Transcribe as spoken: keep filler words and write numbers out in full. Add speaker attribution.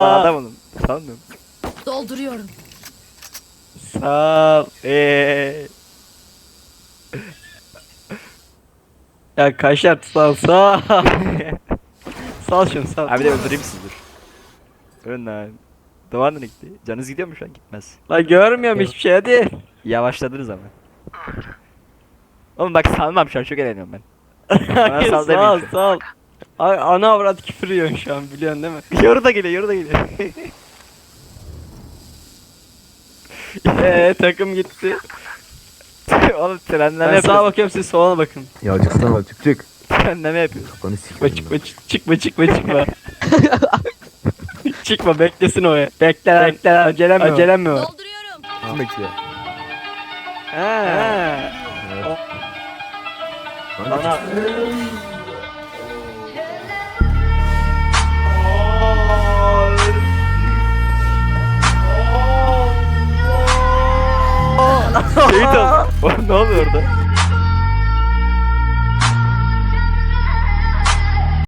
Speaker 1: adamım. Sandım.
Speaker 2: Dolduruyorum.
Speaker 1: Sağ ol. Eee.
Speaker 3: Ya kaşar sal sal. Sal şunu sal.
Speaker 1: Abi de öldüreyim sizi dur. Ölün lan. Duvar nereye gitti? Canınız gidiyor mu şu an? Gitmez.
Speaker 3: La görmüyorum hiçbir şey hadi.
Speaker 1: Yavaşladınız ama. Oğlum bak salmam şu an çok eğleniyorum ben. Bana
Speaker 3: Hayır,
Speaker 1: sal
Speaker 3: sal
Speaker 1: demeyeyim.
Speaker 3: sal. Ay, ana avrat küfür yiyorsun şu an biliyorsun değil mi?
Speaker 1: Yoru da geliyor yoru da geliyor.
Speaker 3: Eee takım gitti.
Speaker 1: Oğlum trenleme
Speaker 3: Ben sağa
Speaker 1: yapıyorsun.
Speaker 3: bakıyorum siz sola bakın.
Speaker 4: Ya çıksana çık çık.
Speaker 1: Trenleme yapıyorsun.
Speaker 4: Kafanı
Speaker 3: Çıkma
Speaker 4: sikerim
Speaker 3: çıkma çık- çıkma çıkma çıkma. Çıkma beklesin o ya. Bekle bekle acelem mi var? Acelem mi var?
Speaker 2: Dolduruyorum.
Speaker 4: ben. Bekle.
Speaker 3: He.
Speaker 4: Evet.
Speaker 3: Bana.
Speaker 1: Şehit ol. Oğlum ne oluyor orada?